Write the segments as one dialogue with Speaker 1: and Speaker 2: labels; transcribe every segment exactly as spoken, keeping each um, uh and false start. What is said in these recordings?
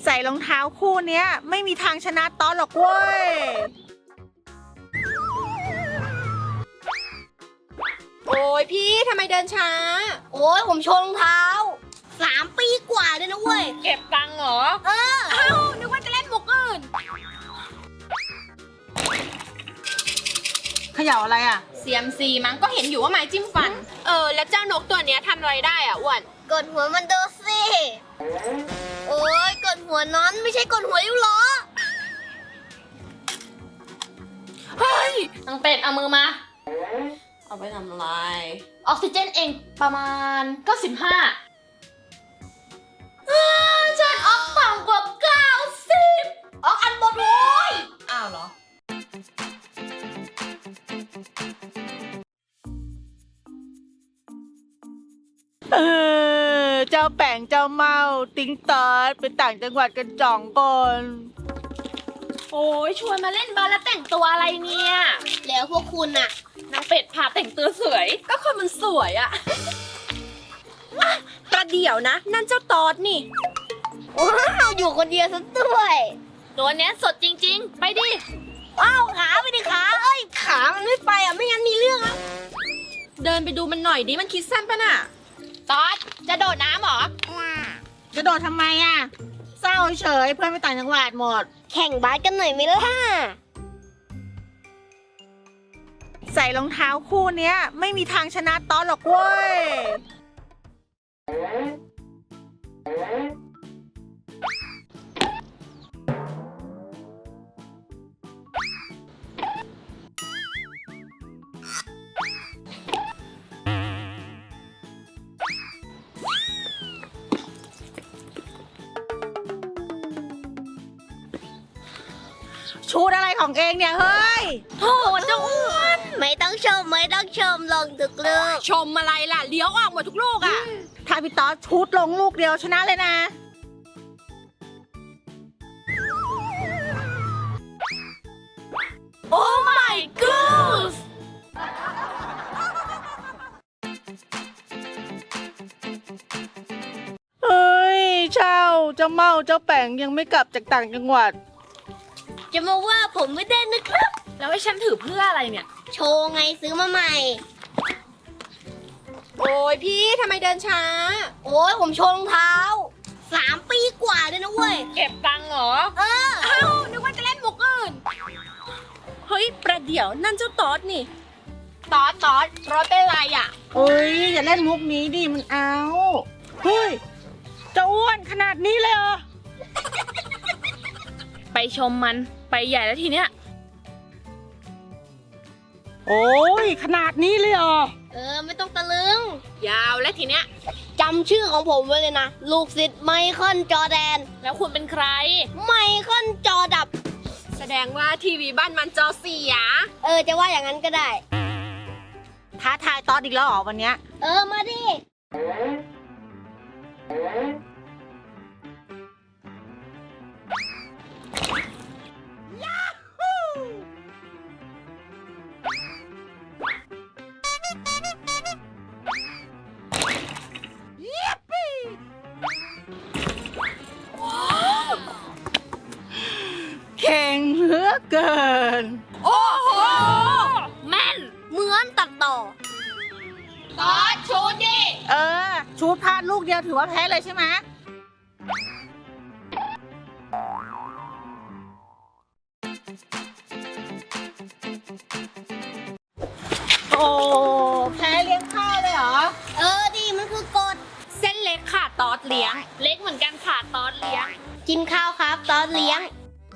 Speaker 1: ส่รองเท้าคู่เนี้ยไม่มีทางชนะต๊อดหรอกเว้ย
Speaker 2: โอ้ยพี่ทำไมเดินช้าโอ้ยผมโชว์รองเท้าสามปีกว่าเลยนะเว้ยเก็บตังค์เหรอเออเอ้านึกว่าจะเล่นมุกอื่น
Speaker 1: เขย่าอะไรอ่ะ
Speaker 2: ซี เอ็ม ซี มั้งก็เห็นอยู่ว่าไม้จิ้มฟันเออแล้วเจ้านกตัวเนี้ยทำอะไรได้อ่ะอ้วนกดหัวมันดูสิโอ้ยกดหัวนั้นไม่ใช่กดหัวริ้วล้อเฮ้ยนางเป็ดเอามือมาเอาไปทำอะไรออกซิเจนเองประมาณเก้าสิบห้าฉันออกต่ำกว่าเก้าสิบออกอันบนโว้ยอ้าวเหรอ
Speaker 1: เออเจ้าแป่งเจ้าเมาติ้งตอดไปต่างจังหวัดกันจ่องก่อน
Speaker 2: โอ้ยชวนมาเล่นบาสแล้วแต่งตัวอะไรเนี่ยแล้วพวกคุณน่ะนางเป็ดพาแต่งตัวสวยก็คนมันสวยอะประเดี๋ยวนะนั่นเจ้าตอดนี่ว้าวอยู่คนเดียวซะด้วยตัวเนี้ยสดจริงๆไปดิว้าวขาไปดิขาเอ้ยขามันไม่ไปอ่ะไม่งั้นมีเรื่องอ่ะเดินไปดูมันหน่อยดิมันคิดสั้นปะน่ะตอดจะโดดน้ำหรอ
Speaker 1: จะโดดทำไมอ่ะเศร้าเฉยเพื่อนไปต่างจังหวัดหมด
Speaker 2: แข่งบาสกันหน่อยไหมล่ะ
Speaker 1: ใส่รองเท้าคู่เนี้ยไม่มีทางชนะต๊อดหรอกเว้ยชูดอะไรของเองเนี่ยเฮ้ย
Speaker 2: โหเจ้าอ้วนไม่ต้องชมไม่ต้องชมลงทุกลูกชมอะไรล่ะเลี้ยวออกหมดทุกลูกอ่ะ
Speaker 1: ถ้าพี่ต๊อดชูดลงลูกเดียวชนะเลยนะ
Speaker 2: โอ้ my god
Speaker 1: เฮ้ยเช่าเจ้าเมาเจ้าแป่งยังไม่กลับจากต่างจังหวัด
Speaker 2: จะมาว่าผมไม่ได้นะครับแล้วให้ฉันถือเพื่ออะไรเนี่ยโชว์ไงซื้อมาใหม่โอ้ยพี่ทำไมเดินช้าโอ้ยผมโชว์รองเท้าสามปีกว่าเลยนะเว้ยเก็บตังค์เหรอเออเอ้านึกว่าจะเล่นมุกอื่นเฮ้ยประเดี๋ยวนั่นเจ้าตอดนี่ตอดตอดรถเป็นไรอ่ะ
Speaker 1: เฮ้ยอย่าเล่นมุกนี้ดิมันเอาเฮ้ยเจ้าอ้วนขนาดนี้เลยเหรอ
Speaker 2: ไปชมมันไปใหญ่แล้วทีเนี้ย
Speaker 1: โอ้ยขนาดนี้เลยเหรอ
Speaker 2: เออไม่ต้องตะลึงยาวแล้วทีเนี้ยจำชื่อของผมไว้เลยนะลูกศิษย์ไมเคิลจอร์แดนแล้วคุณเป็นใครไมเคิลจอดับแสดงว่าทีวีบ้านมันจอเสียเออจะว่าอย่างนั้นก็ได้
Speaker 1: ท้าทายต๊อดอีกแล้วเหรอวันเนี้ย
Speaker 2: เออมาดิ
Speaker 1: เก่งเหลือเกิน
Speaker 2: โอ้โหแม่นเหมือนตัดต่อตอดชูดดิ
Speaker 1: เออชูดพลาดลูกเดียวถือว่าแพ้เลยใช่ไหมโอ้แพ้เลี้ยงข้าวเลยเหรอ
Speaker 2: เออดิมันคือกฎเส้นเล็กขาดตอดเลี้ยงเล็กเหมือนกันขาดตอดเลี้ยงกินข้าวครับตอดเลี้ยง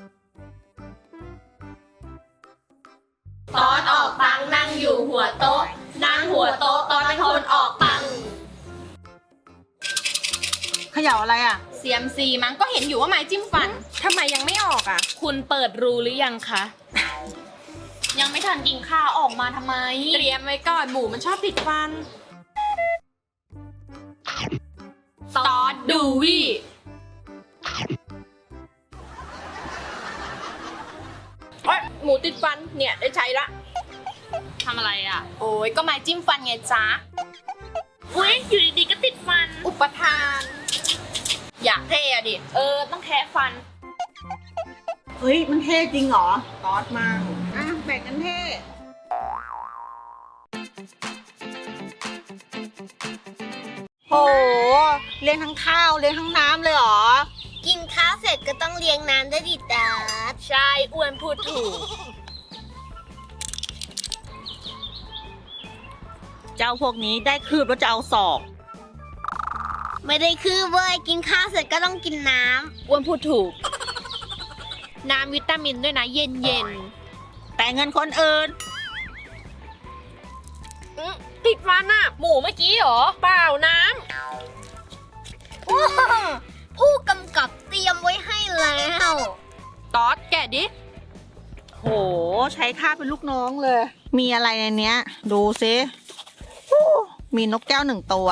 Speaker 2: ตอนออกตังนั่งอยู่หัวโต๊ะนั่งหัวโต๊ะตอนเป็นคนออกตัง
Speaker 1: เขย่าอะไรอ่ะ
Speaker 2: ซี เอ็ม ซี มั้งก็เห็นอยู่ว่าไม้จิ้มฟันทำไมยังไม่ออกอ่ะคุณเปิดรูหรือยังคะ ยังไม่ทันกินข้าวออกมาทำไมเตรียมไว้ก่อนหมูมันชอบติดฟันตอดดูวี่หมูติดฟันเนี่ยได้ใช้ละทำอะไรอ่ะโอ้ยก็ไม้จิ้มฟันไงจ๊ะอุ้ยอยู่ดีๆก็ติดฟันอุปทานอยากเท่อะดิ เออ ต้องแคะฟัน
Speaker 1: เฮ้ย มันเท่จริงเหรอตอดมาอ่ะแบ่งกันเท่โหเลี้ยงทั้งข้าวเลี้ยงทั้งน้ำเลยเหรอ
Speaker 2: กินข้าวเสร็จก็ต้องเลี้ยงน้ำได้ดิตาใช่อ้วนพูดถูก
Speaker 1: เจ้าพวกนี้ได้คืบแล้วจะเอาศอก
Speaker 2: ไม่ได้คือเว้ยกินข้าวเสร็จก็ต้องกินน้ำอ้วนพูดถูก น้ำวิตามินด้วยนะเย็นเย็น
Speaker 1: แต่เงินคนอื่น
Speaker 2: ติดฟันอะหมูเมื่อกี้เหรอ เปล่าน้ำผู้กำกับเตรียมไว้ให้แล้วตอดแกะดิ
Speaker 1: โห ใช้ข้าเป็นลูกน้องเลย มีอะไรในเนี้ย ดูซิฮู้มีนกแก้วหนึ่งตัว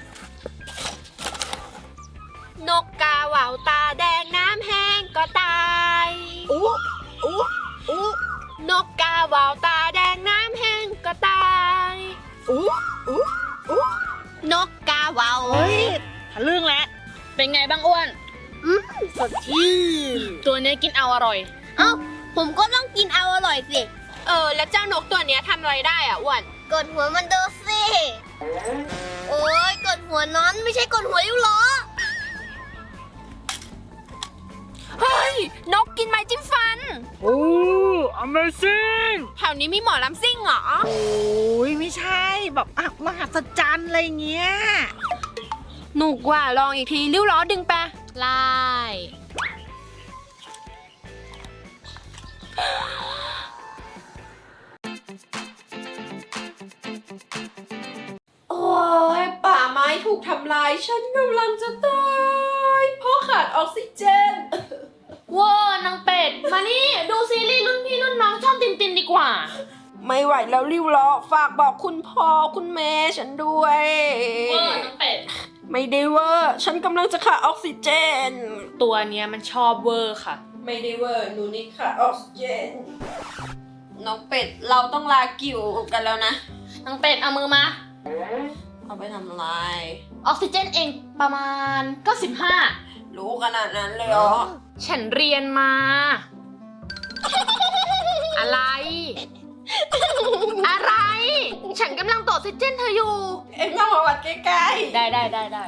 Speaker 2: นกกาเหว่าตาแดงน้ำแห้งก็ตาย
Speaker 1: อู้อู้อู้
Speaker 2: นกกาเหว่าตาแดงน้ำแห้งก็ตาย
Speaker 1: อู้อู้อู้
Speaker 2: นกกาเหว่า
Speaker 1: เฮ้ยทะลึ่งแล้ว
Speaker 2: เป็นไงบ้างอ้วนอืมสดชื่นตัวนี้กินเอาอร่อย เอ้าผมก็ต้องกินเอาอร่อยสิ เออ แล้วเจ้านกตัวนี้ทำอะไรได้อ่ะอ้วนกดหัวมันดูสิโอ้ยกดหัวนั้นไม่ใช่กดหัวริ้วล้อเฮ้ยนกกินไม้จิ้มฟัน
Speaker 1: โอ้ Amazing
Speaker 2: แถวนี้มีหมอลำซิ่งเหรอ
Speaker 1: โอ้ยไม่ใช่แบบอ่ะมหัศจรรย์อะไรเงี้ย
Speaker 2: หนุกว่าลองอีกทีริ้วล้อดึงไปไล่โอ้ยป่าไม้ถูกทำลายฉันกำลังจะตายเพราะขาดออกซิเจนว้านางเป็ด มานี่ ดูซีรีส์รุ่นพี่รุ่นน้องช่องตินตินดีกว่า
Speaker 3: ไม่ไหวแล้วริ้วล้อฝากบอกคุณพ่อคุณแม่ฉันด้วย
Speaker 2: ว้านางเป็ด
Speaker 3: ไม่ได้เวอร์ฉันกำลังจะขาดออกซิเจน
Speaker 2: ตัวเนี้ยมันชอบเวอร์ค่ะ
Speaker 3: ไม่ได้เวอร์หนูนิดขาดออกซิเจนน้องเป็ดเราต้องลากิ่วกันแล้วนะ
Speaker 2: นางเป็ดเอามือมา
Speaker 3: เอาไปทำลาย
Speaker 2: ออกซิเจนเองประมาณเก้าสิบห้า
Speaker 3: รู้ขนาดนั้นเลยเหรอ
Speaker 2: ฉันเรียนมา อะไร อะไร ฉันกำลังตรวจออกซิเจนเธออยู่
Speaker 3: เอ็งต้องมาวัดใกล้
Speaker 2: ได้ได้ได้ได้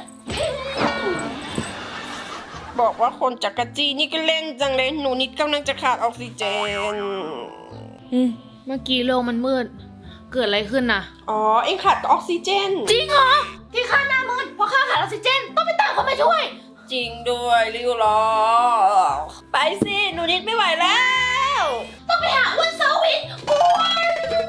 Speaker 3: ๆบอกว่าคนจักรจีนี่ก็เล่นจังเลยหนูนิดกำลังจะขาดออกซิเจน
Speaker 2: เมื่อกี้โลกมันมืด เกิดอะไรขึ้นน่ะ
Speaker 3: อ๋อเอ็งขาดออกซิเจน
Speaker 2: จริงเหรอ ที่ข้าหน้ามืดเพราะข้าขาดออกซิเจน ต้องไปตามเขามาช่วย
Speaker 3: จริงด้วยริ้วล้อไปสิหนูนิดไม่ไหวแล้ว
Speaker 2: ต้องไปหาอ้วนเซาวินอ้วน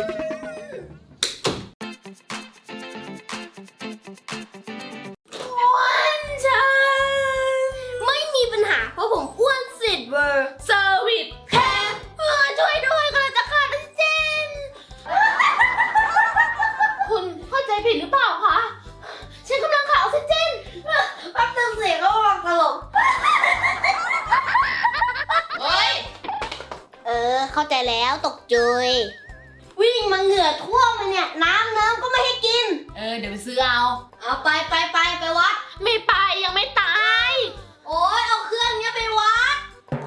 Speaker 2: อ้วนจังไม่มีปัญหาเพราะผมอ้วนสิทธิ์เวอร์เซอร์วิสแคร์เออช่วยด้วยกำลังจะขาดออกซิเจน คุณเข้าใจผิดหรือเปล่าคะ ฉันกำลังขาดออกซิเจนแป๊บนึงเสียงก็วางตลกเฮ้ย เออ เข้าใจแล้วตกจุยวิ่งมาเหงื่อท่วมเลยเนี่ย น้ำเนิ้มก็ไม่ให้กิน เออ เดี๋ยวไปซื้อเอา เอาไปไปไปไปวัด ไม่ไปยังไม่ตาย โอ้ยเอาเครื่องเนี้ยไปวัด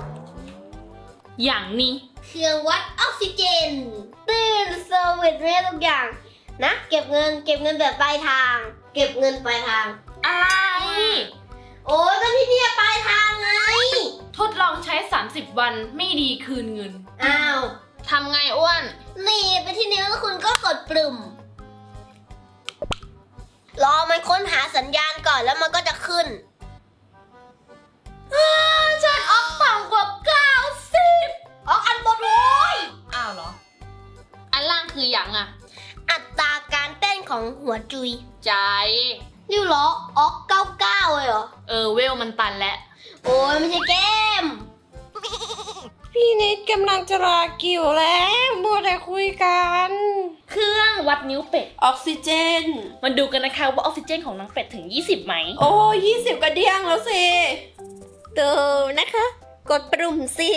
Speaker 2: อย่างนี้ เครื่องวัดออกซิเจนตื่นเซอร์วิสเรียทุกอย่าง นะ เก็บเงินเก็บเงินแบบปลายทาง เก็บเงินปลายทาง อะไร โอ้ยก็ที่นี่ปลายทางไง ทดลองใช้ สามสิบ วันไม่ดีคืนเงิน อ้าว ทำไงอ้วน นี่ไปที่นิ้วแล้วคุณก็กดปุ่ม รอมันค้นหาสัญญาณก่อนแล้วมันก็จะขึ้นฉันออกต่ำกว่าเก้าสิบออกอันบนโว้ยอ้าวเหรอ อันล่างคืออย่างอะอัตราการเต้นของหัวจุย ใจริ้วล้อออกเก้าเก้าเลยเหรอ เออเวลมันตันแล้ว โอ้ยไม่ใช่เกม
Speaker 3: พี่นิดกำลังจะลากิ่วแล้วมัวแต่คุยกัน
Speaker 2: เครื่องวัดนิ้วเป็ด
Speaker 3: ออกซิเจน
Speaker 2: มาดูกันนะคะว่าออกซิเจนของน้องเป็ดถึงยี่สิบไหม
Speaker 3: โอ้ยี่สิบกระเดียงแล้วสิดูนะคะ กดปุ่มสิ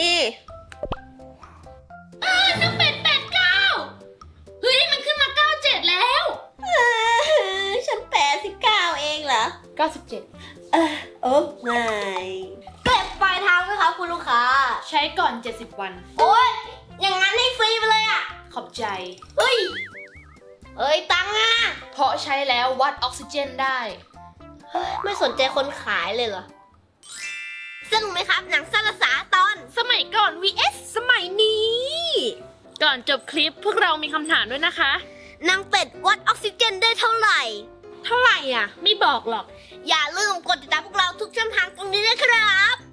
Speaker 2: น้องเป็ดแปดเก้าเฮ้ยมันขึ้นมาเก้าเจ็ดแล้ว
Speaker 3: ฉันแปดสิบเก้าเองเหรอ
Speaker 2: เก้าสิบเจ็ด
Speaker 3: เออโอ้ไม่
Speaker 2: เก็บปลายทางไหมครับคุณลูกค้า
Speaker 4: ใช้ก่อนเจ็ดสิบวัน
Speaker 2: โอ้ยอย่างนั้นให้ฟรีไปเลยอ่ะ
Speaker 4: ขอบใจ
Speaker 2: เฮ้ยเอ้ยตังค์อ่ะ
Speaker 4: เพราะใช้แล้ววัดออกซิเจนได้
Speaker 2: ไม่สนใจคนขายเลยเหรอสนุกไหมครับหนังสั้นภาษาตอน
Speaker 4: สมัยก่อน วี เอส สมัยนี้ ก่อนจบคลิปพวกเรามีคำถามด้วยนะคะ
Speaker 2: นางเป็ดวัดออกซิเจนได้เท่าไหร่
Speaker 4: เท่าไหร่อ่ะ ไม่บอกหรอก
Speaker 2: อย่าลืมกดติดตามพวกเราทุกช่องทางตรงนี้นะครับ